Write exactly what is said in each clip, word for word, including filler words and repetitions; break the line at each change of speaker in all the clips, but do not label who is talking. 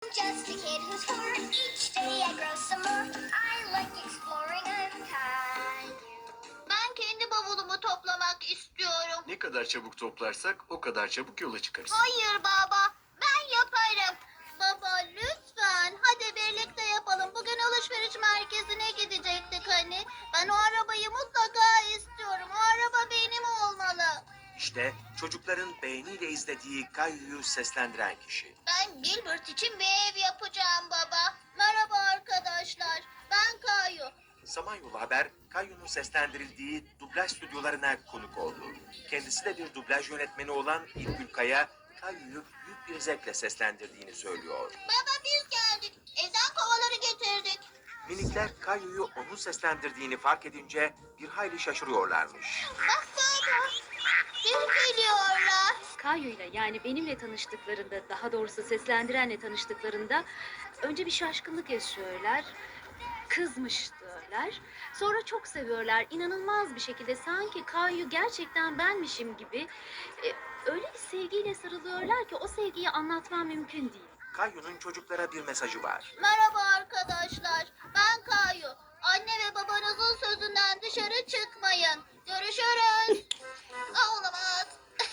just a kid who's four. Each day I grow some more. I like exploring. I'm Caillou. Ben kendi bavulumu toplamak istiyorum.
Ne kadar çabuk toplarsak o kadar çabuk yola çıkarız.
Hayır baba, ben yaparım. Baba lütfen, hadi birlikte yapalım. Bugün alışveriş merkezine gidecektik hani. Ben o arabayı mutlaka istiyorum. O araba benim olmalı.
İşte çocukların beğeniyle izlediği Kayyu'yu seslendiren kişi.
Ben Gilbert için bir ev yapacağım baba. Merhaba arkadaşlar, ben Kayu.
Samanyolu Haber, Kayyu'nun seslendirildiği dublaj stüdyolarına konuk oldu. Kendisi de bir dublaj yönetmeni olan İlgül Kaya, Kayyu'yu büyük bir zevkle seslendirdiğini söylüyor.
Baba biz geldik. Evden kovaları getirdik.
Minikler Kayyu'yu onun seslendirdiğini fark edince bir hayli şaşırıyorlarmış.
Bak baba, bir geliyorlar.
Kayo'yla yani benimle tanıştıklarında, daha doğrusu seslendirenle tanıştıklarında önce bir şaşkınlık yaşıyorlar. Kızmış diyorlar. Sonra çok seviyorlar. İnanılmaz bir şekilde sanki Kayu gerçekten benmişim gibi e, öyle bir sevgiyle sarılıyorlar ki o sevgiyi anlatmam mümkün değil.
Kayyu'nun çocuklara bir mesajı var.
Merhaba arkadaşlar, ben Kayu. Anne ve babanızın sözünden dışarı çıkmayın. Görüşürüz. Aa, olamaz.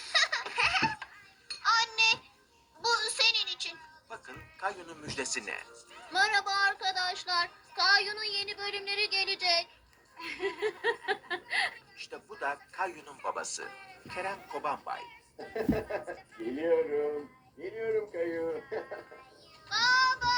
Anne, bu senin için.
Bakın Kayyu'nun müjdesi ne?
Merhaba arkadaşlar, Kayu'nun yeni bölümleri gelecek.
İşte bu da Kayyu'nun babası, Kerem Kobanbay.
Geliyorum. Geliyorum Kayu.
Baba!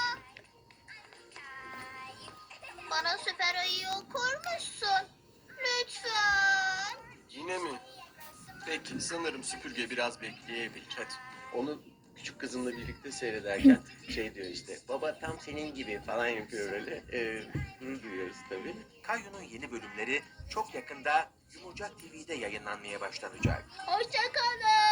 Bana süper ayı okur musun? Lütfen.
Yine mi? Peki sanırım süpürge biraz bekleyebilir. Hadi.
Onu küçük kızımla birlikte seyrederken şey diyor işte. Baba tam senin gibi falan yapıyor böyle. Ee, gurur duyuyoruz tabii.
Kayyu'nun yeni bölümleri çok yakında Yumurcak T V'de yayınlanmaya başlanacak.
Hoşça kalın.